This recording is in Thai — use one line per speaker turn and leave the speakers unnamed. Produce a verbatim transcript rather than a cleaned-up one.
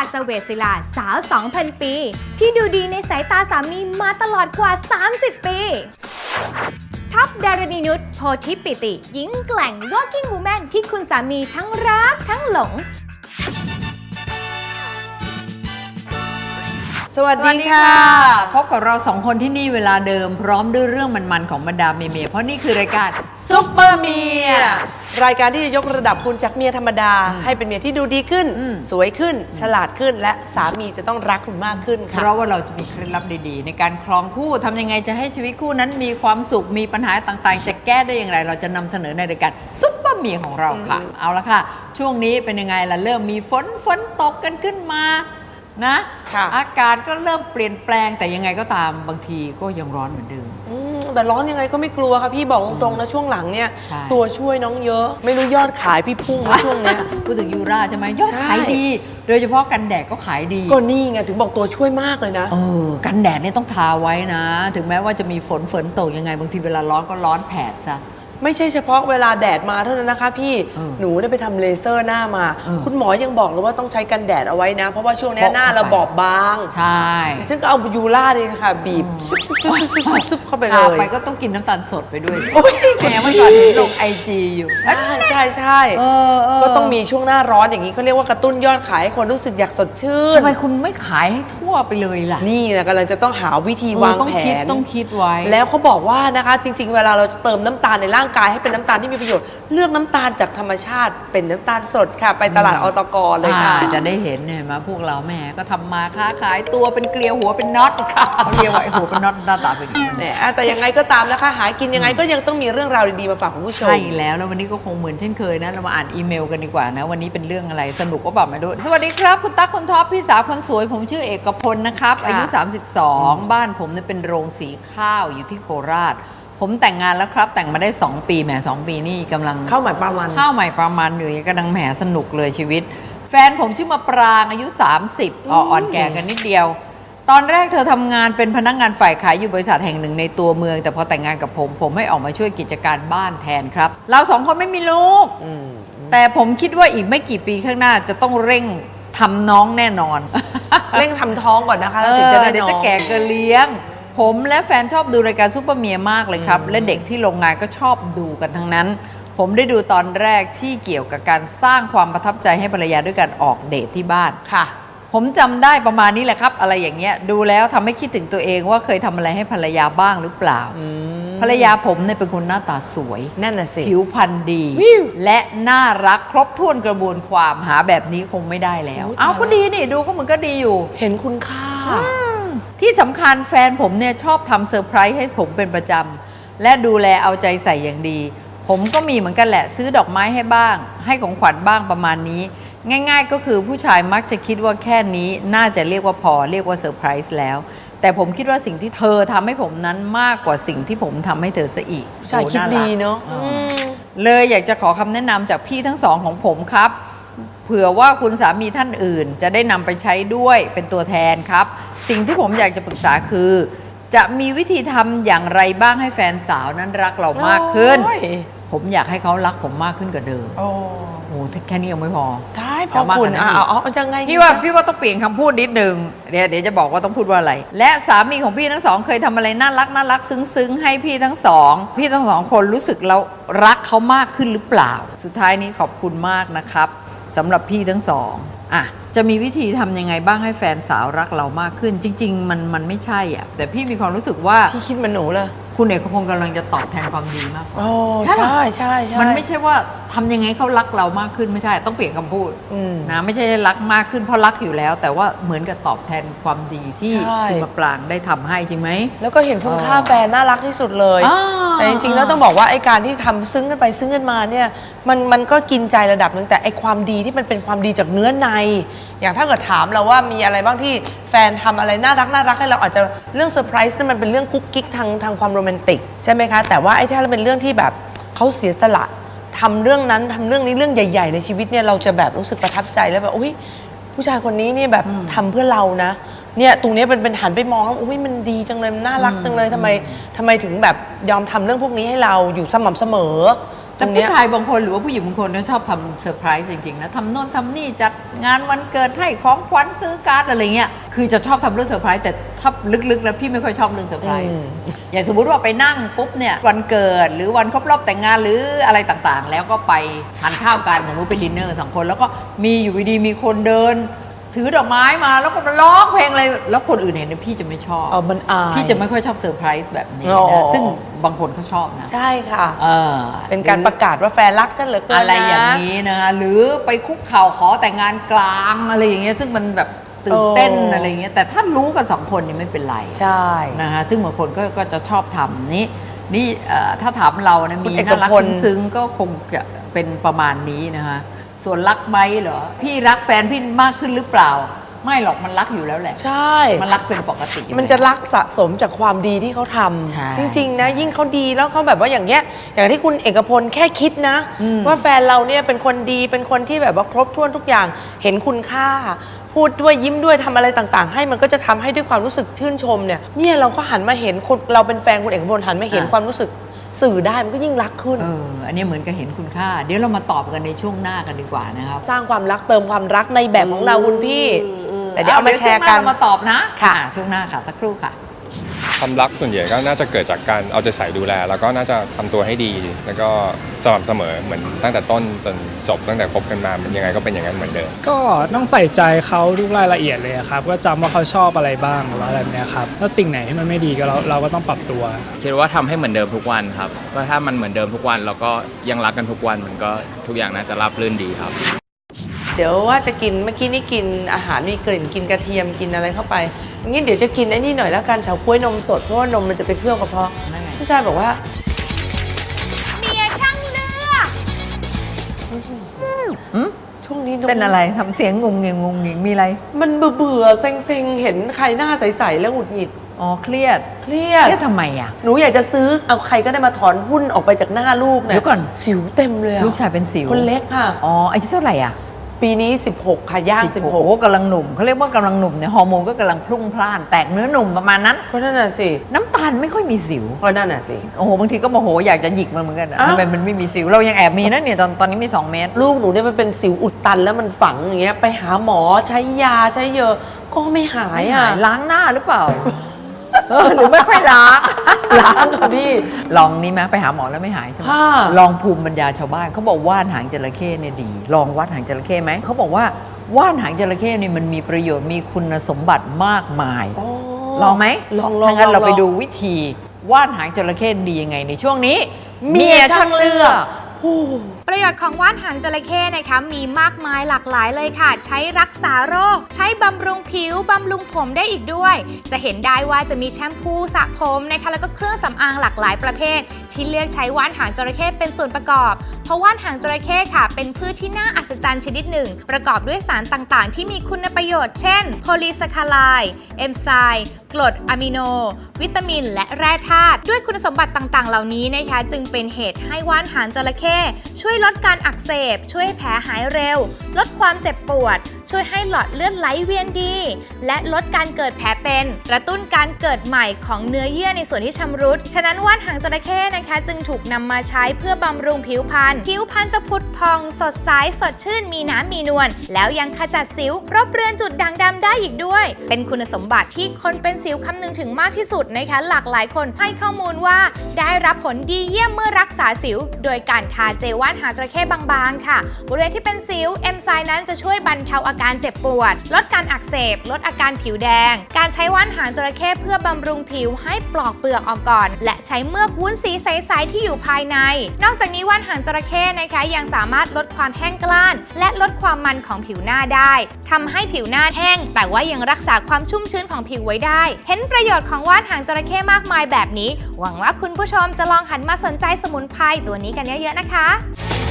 สเวสศิลาสาว สองพัน ปี ที่ดูดีในสายตาสามีมาตลอดกว่า สามสิบ ปีท็อปดารณีนุชโพธิปิติหญิงแกร่ง working woman ที่คุณสามีทั้งรักทั้งหลง
สวัสดีค่ะพบกับเราสองคนที่นี่เวลาเดิมพร้อมด้วยเรื่องมันๆของบรรดาเมียๆเพราะนี่คือรายการซุปเปอร์เมีย
รายการที่จะยกระดับคุณจากเมียธรรมดาให้เป็นเมียที่ดูดีขึ้นสวยขึ้นฉลาดขึ้นและสามีจะต้องรักคุณมากขึ้นค่ะ
เพราะว่าเราจะมีเคล็ดลับดีๆในการครองคู่ทำยังไงจะให้ชีวิตคู่นั้นมีความสุขมีปัญหาต่างๆจะแก้ได้อย่างไรเราจะนำเสนอในรายการซุปเปอร์เมียของเราค่ะเอาละค่ะช่วงนี้เป็นยังไงล่ะเริ่มมีฝนฝนตกกันขึ้นมานะอากาศก็เริ่มเปลี่ยนแปลงแต่ยังไงก็ตามบางทีก็ยังร้อนเหมือนเดิม
แต่ร้อนยังไงก็ไม่กลัวค่ะพี่บอกตรงๆนะช่วงหลังเนี่ยตัวช่วยน้องเยอะไม่รู้ยอดขายพี่พุ่งช่วงนี้
พูดถึงยูราใช่ไหมยอดขายดีโดยเฉพาะกันแดดก็ขายดี
ก็นี่ไงถึงบอกตัวช่วยมากเลยนะ
เออกันแดดเนี่ยต้องทาไว้นะถึงแม้ว่าจะมีฝนฝนตกยังไงบางทีเวลาร้อนก็ร้อนแผดซะ
ไม่ใช่เฉพาะเวลาแดดมาเท่านั้นนะคะพี่หนูได้ไปทำเลเซอร์หน้ามาคุณหมอยังบอกเลยว่าต้องใช้กันแดดเอาไว้นะเพราะว่าช่วงนี้หน้าเราบอบบาง
ใช่
ฉันก็เอายูร่าเลยค่ะบีบซุบซุบซุบซุบซุบซุบเข้าไปเลย
ไปก็ต้องกินน้ำตาลสดไปด้วยแหมเมื่อก่อนลงไอจีอยู่
ใช่ใช่ใช่ก็ต้องมีช่วงหน้าร้อนอย่างนี้เขาเรียกว่ากระตุ้นยอดขายให้คนรู้สึกอยากสดชื่น
ทำไมคุณไม่ขายให้ทั่วไปเลยล่ะ
นี่นะกำลังจะต้องหาวิธีวางแผน
ต้องคิดไว้
แล้วเขาบอกว่านะคะจริงๆเวลาเราจะเติมน้ำตาลในร่างกายให้เป็นน้ำตาลที่มีประโยชน์เลือกน้ำตาลจากธรรมชาติเป็นน้ำตาลสดค่ะไปตลาดอตกเลยค่ะ
จะได้เห็นเนี่ยมาพวกเราแม่ก็ทำมาค้าขายตัวเป็นเกลียวหัวเป็นน็อตค่ะเขาเรียกว่าไอ้หัวเป็นน็อตหน้าตาเป็นอย่าง
นี้แต่ยังไงก็ตามนะคะหากินยังไงก็ยังต้องมีเรื่องราวดีๆมาฝากคุณผู้ชม
ใช่แล้วแล้ววันนี้ก็คงเหมือนเช่นเคยนะเรามาอ่านอีเมลกันดีกว่านะวันนี้เป็นเรื่องอะไรสนุกก็บอกมาด้วยสวัสดีครับคุณตั๊กคุณท็อปพี่สาวคนสวยผมชื่อเอกพลนะครับอายุสามสิบสองบ้านผมเนี่ยเป็นโรงสีข้าวอยู่ที่โคราชผมแต่งงานแล้วครับแต่งมาได้สองปีแหมสองปีนี่กำลัง
เข้าใหม่ประมาณ
เข้าใหม่ประมาณอยู่กำลังแหมสนุกเลยชีวิตแฟนผมชื่อมาปรางอายุสามสิบอ่อนแก่กันนิดเดียวตอนแรกเธอทำงานเป็นพนักงานฝ่ายขายอยู่บริษัทแห่งหนึ่งในตัวเมืองแต่พอแต่งงานกับผมผมให้ออกมาช่วยกิจการบ้านแทนครับเราสองคนไม่มีลูกแต่ผมคิดว่าอีกไม่กี่ปีข้างหน้าจะต้องเร่งทำน้องแน่นอน
เร่งทำท้องก่อนนะคะ
แล้วถึงจะได้น้องเดี๋ยวจะแก่เกินเลี้ยงผมและแฟนชอบดูรายการซุปเปอร์เมียมากเลยครับและเด็กที่โรงงานก็ชอบดูกันทั้งนั้นผมได้ดูตอนแรกที่เกี่ยวกับการสร้างความประทับใจให้ภรรยาด้วยการออกเดทที่บ้าน
ค่ะ
ผมจำได้ประมาณนี้แหละครับอะไรอย่างเงี้ยดูแล้วทำให้คิดถึงตัวเองว่าเคยทำอะไรให้ภรรยาบ้างหรือเปล่าภรรยาผมเนี่ยเป็นคนหน้าตาสวย
นั่นน่ะสิ
ผิวพรรณดีและน่ารักครบถ้วนกระบวนความหาแบบนี้คงไม่ได้แล้วเอาก็ดีนี่ดูก็เหมือนก็ดีอยู่
เห็นคุณค่า
ที่สำคัญแฟนผมเนี่ยชอบทำเซอร์ไพรส์ให้ผมเป็นประจำและดูแลเอาใจใส่อย่างดีผมก็มีเหมือนกันแหละซื้อดอกไม้ให้บ้างให้ของขวัญบ้างประมาณนี้ง่ายๆก็คือผู้ชายมักจะคิดว่าแค่นี้น่าจะเรียกว่าพอเรียกว่าเซอร์ไพรส์แล้วแต่ผมคิดว่าสิ่งที่เธอทำให้ผมนั้นมากกว่าสิ่งที่ผมทำให้เธอซะอีก
ใช่คิดดีเนาะ
เลยอยากจะขอคำแนะนำจากพี่ทั้งสองของผมครับเผื่อว่าคุณสามีท่านอื่นจะได้นำไปใช้ด้วยเป็นตัวแทนครับสิ่งที่ผมอยากจะปรึกษาคือจะมีวิธีทำอย่างไรบ้างให้แฟนสาวนั้นรักเรามากขึ้นผมอยากให้เขารักผมมากขึ้นกว่าเดิมโอ้โหแค่นี้ยังไม่พอ
ได้พอคุณอ่ะเอาเอายังไง
พี่ว่าพี่ว่าต้องเปลี่ยนคำพูดนิดนึงเดี๋ยวเดี๋ยวจะบอกว่าต้องพูดว่าอะไรและสามีของพี่ทั้งสองเคยทำอะไรน่ารักน่ารักซึ้งๆให้พี่ทั้งสองพี่ทั้งสองคนรู้สึกเรารักเขามากขึ้นหรือเปล่าสุดท้ายนี้ขอบคุณมากนะครับสำหรับพี่ทั้งสองอ่ะจะมีวิธีทำยังไงบ้างให้แฟนสาวรักเรามากขึ้นจริงๆมันมันไม่ใช่อ่ะแต่พี่มีความรู้สึกว่า
พี่คิดมันหนูเลย
คุณเอกพงศ์กำลังจะตอบแทนความดีมากกว่า
ใช่ใช่ใช่
มันไม่ใช่ว่าทำยังไงเขารักเรามากขึ้นไม่ใช่ต้องเปลี่ยนคำพูดนะไม่ใช่รักมากขึ้นเพราะรักอยู่แล้วแต่ว่าเหมือนกับตอบแทนความดีที่คุณมาปรางได้ทำให้จริงไหม
แล้วก็เห็นคุณค่าแฟนน่ารักที่สุดเลยแต่จริงๆแล้วต้องบอกว่าไอ้การที่ทำซึ้งกันไปซึ้งกันมาเนี่ยมันมันก็กินใจระดับหนึ่งแต่ไอ้ความดีที่มันเป็นความดีจากเนื้อในอย่างถ้าเกิดถามเราว่ามีอะไรบ้างที่แฟนทำอะไรน่ารักน่ารักให้เราอาจจะเรื่องเซอร์ไพรส์นั่นมันเป็นเรื่องกุ๊กกิ๊กทางทางความโรแมนติกใช่ไหมคะแต่ว่าไอ้ถ้าเป็นเรื่องที่แบบเขาเสียสละทำเรื่องนั้นทำเรื่องนี้เรื่องใหญ่ๆในชีวิตเนี่ยเราจะแบบรู้สึกประทับใจแล้วแบบอุ้ยผู้ชายคนนี้เนี่ยแบบทำเพื่อเรานะเนี่ยตรงนี้เป็นเป็นหันไปมองแล้วอุ้ยมันดีจังเลยมันน่ารักจังเลยทำไมทำไมถึงแบบยอมทำเรื่องพวกนี้ให้เราอยู่สม่ำเสมอ
แต่ผู้ชายบางคนหรือว่าผู้หญิงบางคนเนี่ยชอบทำเซอร์ไพรส์จริงๆนะทำโน่นทำนี่จัดงานวันเกิดให้ของขวัญซื้อการ์ดอะไรเงี้ยคือจะชอบทำเรื่องเซอร์ไพรส์แต่ถ้าลึกๆแล้วพี่ไม่ค่อยชอบเรื่องเซอร์ไพรส์อย่างสมมุติว่าไปนั่งปุ๊บเนี่ยวันเกิดหรือวันครบรอบแต่งงานหรืออะไรต่างๆ แล้วก็ไปทานข้าวกันสมมติไปดินเนอร์สองคนแล้วก็มีอยู่ดีๆมีคนเดิน ถือดอกไม้มาแล้วก็มาร้องเพลงอะไรแล้วคนอื่นเห็นเนี่ยพี่จะไม่ชอบ
เออมันอาย
พี่จะไม่ค่อยชอบเซอร์ไพรส์แบบนี้
อ๋อ
นะซึ่งบางคนเขาชอบนะ
ใช่ค่ะ
เออ
เป็นการประกาศว่าแฟนรักฉันเหลือเกินนะ
อะไรอย่างนี้นะคะหรือไปคุกเข่าขอแต่งงานกลางอะไรอย่างเงี้ยซึ่งมันแบบตื่นเต้น
โอ้
อะไรอย่างเงี้ยแต่ถ้ารู้กันสองคนนี่ไม่เป็นไร
ใช่
นะคะซึ่งบางคนก็ก็จะชอบทำนี่นี่เอ่อถ้าถามเรานะ
คุณ
มี
เอก
น่ารัก
พล
ซึ้งๆก็คงจะเป็นประมาณนี้นะคะส่วนรักไหมเหรอพี่รักแฟนพี่มากขึ้นหรือเปล่าไม่หรอกมันรักอยู่แล้วแหละ
ใช่
มันรักเป็นปกติอยู่
มันจะ
แล้ว
รักสะสมจากความดีที่เขาท
ใช่
ำจริง ๆ นะ ยิ่งเขาดีแล้วเขาแบบว่าอย่างเงี้ยอย่างที่คุณเอกพลแค่คิดนะ
อืม
ว่าแฟนเราเนี่ยเป็นคนดีเป็นคนที่แบบว่าครบถ้วนทุกอย่างเห็นคุณค่า พูดด้วยยิ้มด้วยทำอะไรต่างๆ ให้มันก็จะทำให้ด้วยความรู้สึกชื่นชมเนี่ยเนี่ยเราก็หันมาเห็นคนเราเป็นแฟนคุณเอกพลหันมาเห็นความรู้สึกสื่อได้มันก็ยิ่งรักขึ้น
เอออันนี้เหมือนกับเห็นคุณค่า เดี๋ยวเรามาตอบกันในช่วงหน้ากันดีกว่านะครับ
สร้างความรักเติมความรักในแบบของเราคุณพี่
เออเออ
แต่เดี๋ยวเอามาแชร์กัน
เดี๋ยวช่วงหน้าเรามาตอบนะ
ค่ะ
อ่าช่วงหน้าค่ะสักครู่ค่ะ
ความรักส่วนใหญ่ก็น่าจะเกิดจากการเอาใจใส่ดูแล แล้วก็น่าจะทำตัวให้ดี แล้วก็สม่ำเสมอเหมือนตั้งแต่ต้นจนจบตั้งแต่คบกันมามันยังไงก็เป็นอย่างนั้นเหมือนเดิม
ก็ต้องใส่ใจเขาทุกรายละเอียดเลยครับก็จำว่าเขาชอบอะไรบ้างหรือว่าอะไรแบบเนี้ยครับถ้าสิ่งไหนที่มันไม่ดีก็เราเราก็ต้องปรับตัว
คิดว่าทำให้เหมือนเดิมทุกวันครับก็ถ้ามันเหมือนเดิมทุกวันเราก็ยังรักกันทุกวันมันก็ทุกอย่างน่าจะราบรื่นดีครับ
เดี๋ยวว่าจะกินเมื่อกี้นี่กินอาหารมีกลิ่นกินกระเทียมกินอะไรเข้าไปงี้เดี๋ยวจะกินไอ้นี่หน่อยแล้วกันเฉาก๊วยนมสดเพราะว่านมมันจะไปเคลือบกระเพาะ
นั่นไง
ผู้ชายบอกว่า
เมียช่างเลือก
หืม
ช่วงนี้นม
เป็นอะไรทำเสียงงงเงงงงเงงมีอะไร
มันเบื่อเบื่อๆเซ็งๆ เห็นใครหน้าใสๆแล้วหงุดหงิด
อ๋อเครียด
เครียด
เครียดทำไมอ่ะ
หนูอยากจะซื้อเอาใครก็ได้มาถอนหุ้นออกไปจากหน้าลูกเนี่ย
เดี๋ยวก่อน
สิวเต็มเลยอะ
ลูกชายเป็นสิว
คนเล็กค่ะ
อ๋ออายุเท่าไหร่อ่ะ
ปีนี้สิบหกค่ะย่างสิบหก
โอ้กำลังหนุ่มเขาเรียกว่ากำลังหนุ่มเนี่ยฮอร์โมนก็กำลังพลุ่งพล่าน แตกเนื้อหนุ่มประมาณนั้น
ก็นั่นน่ะสิ
น้ำตาลไม่ค่อยมีสิว
ก็นั่นน่ะสิ
โอ้โหบางทีก็โมโหอยากจะหยิกมันเหมือนกันอะ
อ้าว
ทำไมมันไม่มีสิวเรายังแอบมีนะเนี่ยตอนตอนนี้มีสองเมตร
ลูกหนูเนี่ยมันเป็นสิวอุดตันแล้วมันฝังอย่างเงี้ยไปหาหมอใช้ยาใช้เยอะก็ไม่หายอ่ะ
ล้างหน้าหรือเปล่า เออหรือไม่ค่อยล้าง
ล้างค่ะพี่
ลองนี้ไหมไปหาหมอแล้วไม่หายใช่ไหม
ค่ะ
ลองภูมิปัญญาชาวบ้านเขาบอกว่านหางจระเข้เนี่ยดี ลองวัดหางจระเข้ไหมเขาบอกว่าว่านหางจระเข้เนี่ยมันมีประโยชน์มีคุณสมบัติมากมาย
อ๋อ
ลองไหม
ลองลอง
ถ้างั้น
ลอง
เราไป
ลอง
ดูวิธีว่านหางจระเข้ดียังไงในช่วงนี้ เมียช่างเลือก
ประโยชน์ของว่านหางจระเข้นะคะมีมากมายหลากหลายเลยค่ะ ใช้รักษาโรค ใช้บำรุงผิว บำรุงผมได้อีกด้วย จะเห็นได้ว่าจะมีแชมพูสระผมนะคะแล้วก็เครื่องสำอางหลากหลายประเภท ที่เลือกใช้ว่านหางจระเข้เป็นส่วนประกอบ เพราะว่านหางจระเข้ค่ะ เป็นพืชที่น่าอัศจรรย์ชนิดหนึ่ง ประกอบด้วยสารต่างๆ ที่มีคุณประโยชน์เช่นโพลีแซคคาไลด์เอนไซม์กรดอะมิโน วิตามิน และแร่ธาตุด้วยคุณสมบัติต่างๆ เหล่านี้นะคะจึงเป็นเหตุให้ว่านหางจระเข้ช่วยลดการอักเสบ ช่วยให้แผลหายเร็ว ลดความเจ็บปวด ช่วยให้หลอดเลือดไหลเวียนดี และลดการเกิดแผลเป็นกระตุ้นการเกิดใหม่ของเนื้อเยื่อในส่วนที่ชำรุดฉะนั้นว่านหางจระเข้นะคะจึงถูกนำมาใช้เพื่อบำรุงผิวพรรณผิวพรรณจะผุดพองสดใสสดชื่นมีน้ำมีนวลแล้วยังขจัดสิวรบเรือนจุดด่างดำได้อีกด้วย เป็นคุณสมบัติที่คนเป็นสิวคำนึงถึงมากที่สุดนะคะหลากหลายคนให้ข้อมูลว่าได้รับผลดีเยี่ยมเมื่อรักษาสิว โดยการทาเจลว่านหางจระเข้บางๆค่ะบริเวณที่เป็นสิวเอนไซม์นั้นจะช่วยบรรเทาอาการเจ็บปวดลดการอักเสบลดอาการผิวแดงการใช้ว่านหางจระเข้เพื่อบำรุงผิวให้ปลอกเปลือกออกก่อนและใช้เมือกวุ้นสีใสๆที่อยู่ภายในนอกจากนี้ว่านหางจระเข้นะคะยังสามารถลดความแห้งกร้านและลดความมันของผิวหน้าได้ทำให้ผิวหน้าแห้งแต่ว่ายังรักษาความชุ่มชื้นของผิวไว้ได้เห็นประโยชน์ของว่านหางจระเข้มากมายแบบนี้หวังว่าคุณผู้ชมจะลองหันมาสนใจสมุนไพรตัวนี้กันเยอะๆนะคะ